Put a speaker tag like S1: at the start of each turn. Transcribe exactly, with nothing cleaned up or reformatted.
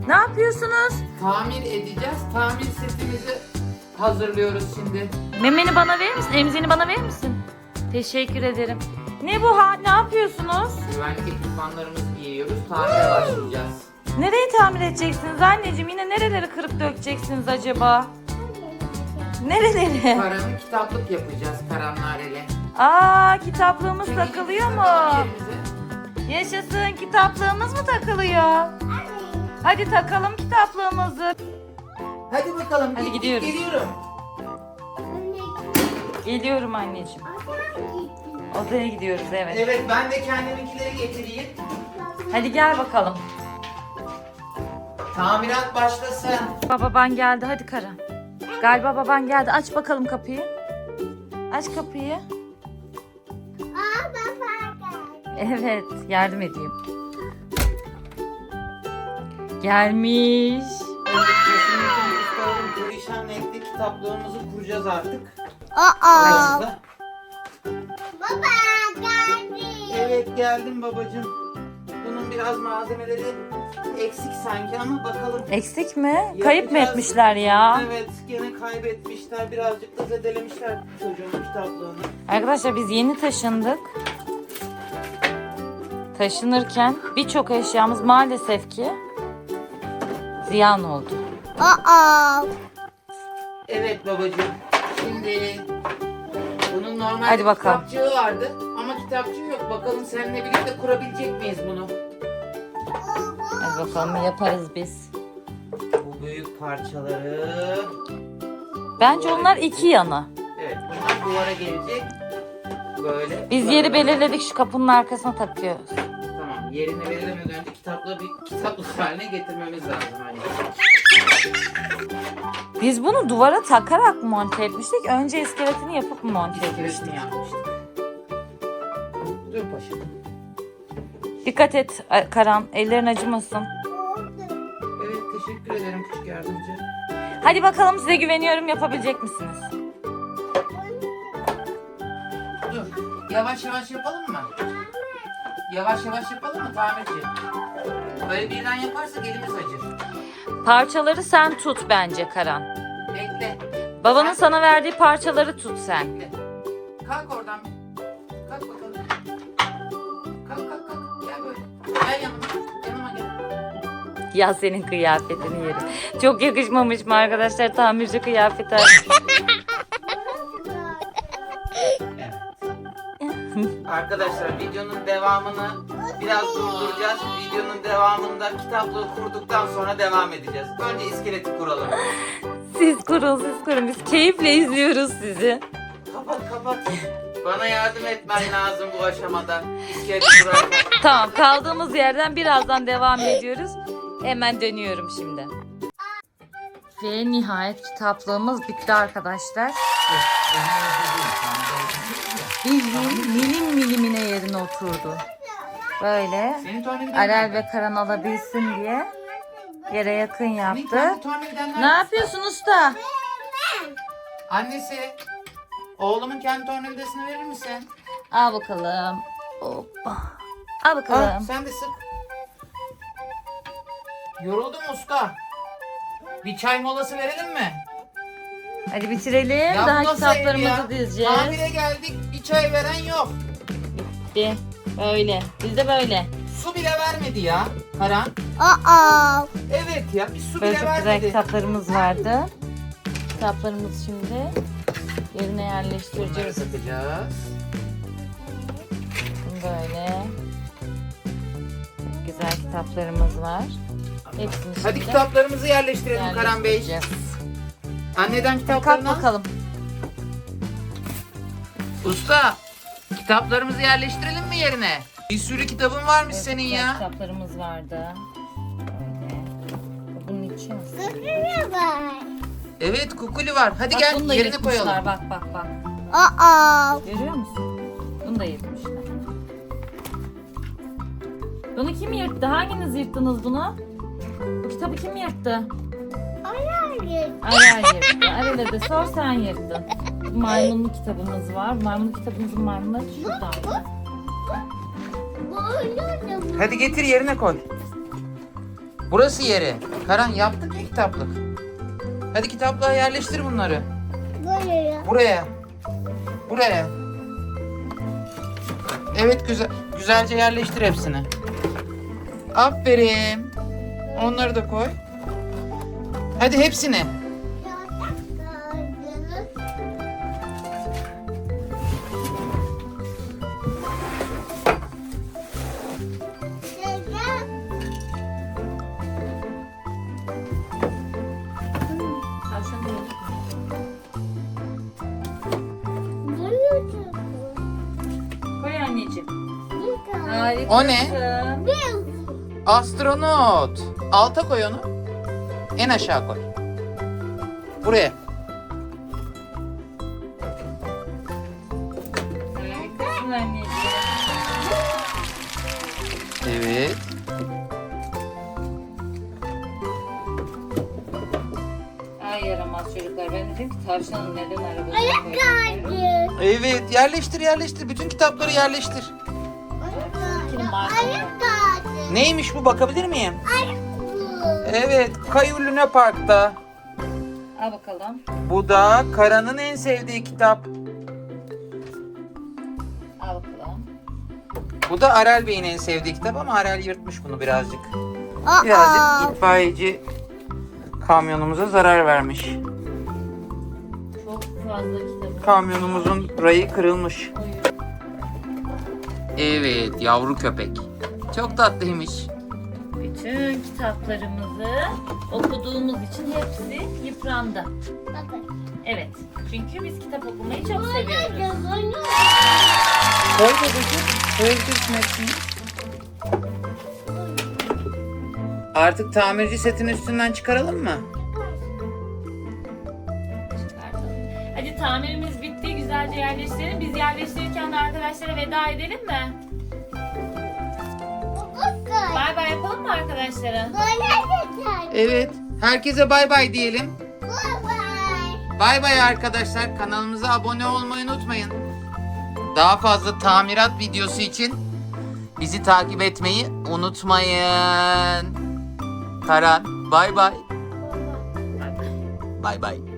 S1: Ne yapıyorsunuz?
S2: Tamir edeceğiz. Tamir setimizi hazırlıyoruz şimdi.
S1: Memeni bana verir misin? Emzini bana verir misin? Teşekkür ederim. Ne bu ha? Ne yapıyorsunuz?
S2: Güvenlik ekipmanlarımızı giyiyoruz. Tamire başlayacağız.
S1: Nereyi tamir edeceksiniz anneciğim? Yine nereleri kırıp dökeceksiniz acaba? Nereleri?
S2: Karan'ın kitaplık yapacağız Karan Nareli.
S1: Aa, kitaplığımız takılıyor mu?
S2: Takalım yerimize.
S1: Yaşasın, kitaplığımız mı takılıyor? Hadi takalım kitaplığımızı.
S2: Hadi bakalım.
S1: Hadi
S2: git, git,
S1: gidiyoruz.
S2: Geliyorum.
S1: Geliyorum anneciğim. Odaya gidiyoruz, evet.
S2: Evet, ben de kendiminkileri getireyim.
S1: Hadi gel bakalım.
S2: Tamirat başlasın.
S1: Baban geldi, hadi Karan. Galiba baban geldi. Aç bakalım kapıyı. Aç kapıyı.
S3: Aa, baba geldi.
S1: Evet, yardım edeyim. Gelmiş.
S2: Evet, kesinlikle ustalarım perişan etti. Kitaplığımızı kuracağız artık.
S3: Aa,
S2: Burası.
S3: baba geldi.
S2: Evet, geldim babacığım. Bunun biraz malzemeleri eksik sanki ama bakalım.
S1: Eksik mi? Kayıp mı
S2: Yapacağız.
S1: etmişler ya?
S2: Evet, gene kaybetmişler. Birazcık da zedelemişler çocuğun kitaplığını.
S1: Arkadaşlar biz yeni taşındık. Taşınırken birçok eşyamız maalesef ki ziyan oldu.
S3: Aa,
S2: Evet babacığım. Şimdi bunun normalde
S1: Hadi bakalım.
S2: kitapçığı vardı ama kitapçığı yok. Bakalım seninle birlikte kurabilecek miyiz bunu?
S1: Hadi bakalım, yaparız biz.
S2: Bu büyük parçaları.
S1: Bence onlar iki yana.
S2: Evet, bunlar duvara gelecek. Böyle.
S1: Biz
S2: duvara-
S1: yeri belirledik, şu kapının arkasına takıyoruz.
S2: Tamam, yerini belirlemeden önce kitaplığı bir kitaplık haline getirmemiz lazım. Hani.
S1: Biz bunu duvara takarak monte etmiştik. Önce iskeletini yapıp mı monte etmiştik?
S2: İskeletini yapmıştık. Dur paşam.
S1: Dikkat et Karan, ellerin acımasın.
S2: Evet, teşekkür ederim küçük yardımcı.
S1: Hadi bakalım, size güveniyorum, yapabilecek misiniz?
S2: Dur, yavaş yavaş yapalım mı? Yavaş yavaş yapalım mı tamirci? Böyle birden yaparsak elimiz acır.
S1: Parçaları sen tut bence Karan.
S2: Bekle,
S1: Babanın sana verdiği parçaları tut sen.
S2: bekle. Kalk oradan bir. Kalk bakalım. Kalk kalk kalk. Gel böyle. Gel yanıma. Yanıma gel.
S1: Ya senin kıyafetini yerim. Çok yakışmamış mı arkadaşlar tamirci kıyafeti?
S2: Arkadaşlar videonun devamını biraz durduracağız. Videonun devamında kitaplığı kurduktan sonra devam edeceğiz. Önce iskeleti kuralım.
S1: Siz kurun, siz kurun. Biz keyifle izliyoruz sizi.
S2: Kapat kapat. Bana yardım etmen lazım bu aşamada. İskeleti kurarken.
S1: Tamam, kaldığımız yerden birazdan devam ediyoruz. Hemen dönüyorum şimdi. Ve nihayet kitaplığımız bitti arkadaşlar. Bildiğin milim milimine yerine oturdu. Böyle
S2: Senin tuvaletinden
S1: Arel
S2: nerede?
S1: ve Karan alabilsin diye yere yakın
S2: Senin
S1: yaptı.
S2: kendi tuvaletinden nerede?
S1: Ne yapıyorsun usta?
S2: Annesi. Oğlumun kendi tornavidasını verir misin?
S1: Al bakalım. Hoppa. Al
S2: Al
S1: bakalım.
S2: sen de sık. Yoruldum usta. Bir çay molası verelim mi?
S1: Hadi bitirelim.
S2: Ya
S1: Daha
S2: bu nasıl ev ya?
S1: kitaplarımızı dizeceğiz.
S2: Tamire geldik, bir çay veren yok.
S1: Bitti. Böyle. Biz de böyle.
S2: Su bile vermedi ya Karan.
S3: aa,
S2: Evet ya, bir su
S1: Böyle
S2: bile
S1: çok güzel
S2: vermedi.
S1: kitaplarımız vardı. Kitaplarımızı şimdi yerine
S2: Bunları
S1: yerleştireceğiz.
S2: satacağız.
S1: Böyle. Çok güzel kitaplarımız var. Hepsini
S2: Hadi
S1: şimdi
S2: kitaplarımızı yerleştirelim Karan Bey.
S1: yerleştireceğiz.
S2: Anneden
S1: Kalk
S2: kitaplarını al.
S1: bakalım.
S2: Usta, kitaplarımızı yerleştirelim mi yerine? Bir sürü kitabın varmış
S1: Evet,
S2: senin
S1: güzel
S2: ya.
S1: kitaplarımız vardı. Böyle. Bunun için aslında.
S3: ne var?
S2: Evet, kukuli var. Hadi
S1: Bak,
S2: gel
S1: bunu da
S2: yerine
S1: yırtmışlar.
S2: koyalım.
S1: Bak bak bak.
S3: Aa,
S1: Görüyor musun? Bunu da yırtmışlar. Bunu kim yırttı? Hanginiz yırttınız bunu? Bu kitabı kim yırttı?
S3: hayır.
S1: Arel yırttı. Arel'e de sor, sen yırttın. Maymunlu kitabımız var. Maymunlu kitabımızın maymunları şurada.
S3: Böyle de
S2: Hadi getir yerine koy. Burası yeri. Karan yaptık ya kitaplık. Hadi kitaplığa yerleştir bunları.
S3: Buraya.
S2: Buraya. Buraya. Evet güzel. Güzelce yerleştir hepsini. Aferin. Onları da koy. Hadi hepsini.
S1: Tavşan değil. Koy anneciğim. Harika.
S2: O ne? Astronot. Alta koy onu. En aşağı koy. Buraya.
S1: Harikasın anneciğim.
S2: Evet.
S1: Ay yaramaz çocuklar. Ben dedim ki tavşanın neden arabasına
S3: Ayak
S1: koyuyorlar?
S3: kaydı.
S2: Evet yerleştir yerleştir. Bütün kitapları yerleştir.
S3: Ayak kaydı.
S2: Neymiş bu, bakabilir miyim?
S3: Ayak bu.
S2: Evet, Kayu Luna Park'ta.
S1: Al bakalım.
S2: Bu da Karan'ın en sevdiği kitap.
S1: Al bakalım.
S2: Bu da Arel Bey'in en sevdiği kitap ama Arel yırtmış bunu birazcık.
S3: Aa.
S2: Birazcık itfaiyeci kamyonumuza zarar vermiş.
S1: Çok fazla kitabı.
S2: Kamyonumuzun rayı kırılmış.
S1: Koyuyor.
S2: Evet, yavru köpek. Çok tatlıymış.
S1: Bütün kitaplarımızı okuduğumuz için hepsi yıprandı.
S3: Bakın.
S1: Evet. Çünkü biz kitap okumayı çok seviyoruz.
S2: Koy babacığım. Koyabilirsin hepsini. Artık tamirci setin üstünden çıkaralım mı?
S1: Çıkartalım. Hadi tamirimiz bitti. Güzelce yerleştirelim. Biz yerleştirirken de arkadaşlara veda edelim mi?
S3: Bakın.
S1: Bay bay yapalım mı arkadaşlara?
S3: Böyle geçer.
S2: Evet. Herkese bay bay diyelim.
S3: Bye bye.
S2: Bay bay arkadaşlar. Kanalımıza abone olmayı unutmayın. Daha fazla tamirat videosu için bizi takip etmeyi unutmayın. Karan, bay bay.
S1: Bay bay.
S2: Bay bay.